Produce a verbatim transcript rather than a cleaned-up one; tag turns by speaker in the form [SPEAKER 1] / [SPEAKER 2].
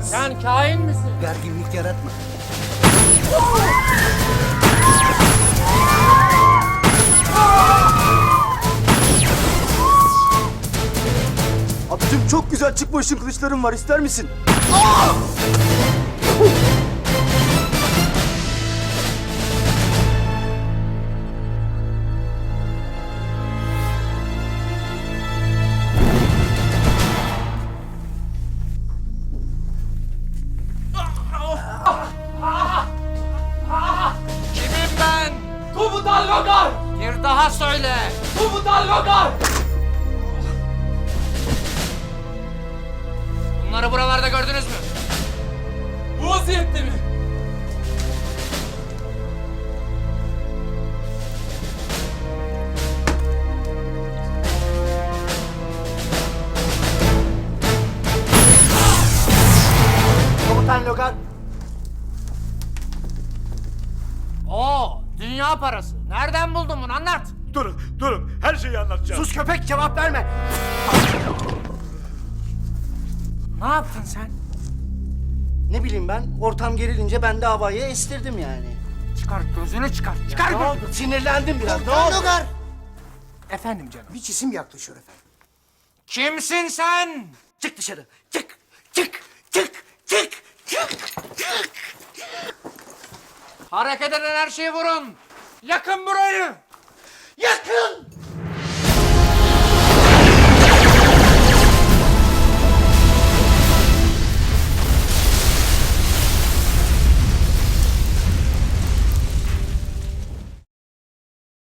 [SPEAKER 1] Sen kain misin?
[SPEAKER 2] Gerginlik yaratma.
[SPEAKER 3] Abicim çok güzel çıkma ışın kılıçlarım var, ister misin?
[SPEAKER 1] Kimim ben?
[SPEAKER 4] Komutan Logar!
[SPEAKER 1] Bir daha söyle.
[SPEAKER 4] Komutan Logar!
[SPEAKER 1] Bunları buralarda gördünüz mü?
[SPEAKER 4] Bu vaziyette mi?
[SPEAKER 2] Komutan Logar.
[SPEAKER 1] Oo, dünya parası. Nereden buldun bunu? Anlat.
[SPEAKER 5] Durun, durun. Her şeyi anlatacağım.
[SPEAKER 2] Sus köpek, cevap verme.
[SPEAKER 1] Ne yaptın sen?
[SPEAKER 2] Ne bileyim ben, ortam gerilince ben de havayı estirdim yani.
[SPEAKER 1] Çıkar gözünü çıkar. Çıkar
[SPEAKER 2] Ne
[SPEAKER 1] gözünü.
[SPEAKER 2] oldu? Sinirlendim biraz. Ne oldu? Logar.
[SPEAKER 1] Efendim canım.
[SPEAKER 2] Bir cisim yaklaşıyor efendim.
[SPEAKER 1] Kimsin sen?
[SPEAKER 2] Çık dışarı. Çık. Çık. Çık. Çık. Çık. Çık.
[SPEAKER 1] Hareket eden her şeyi vurun. Yakın burayı.
[SPEAKER 2] Yakın.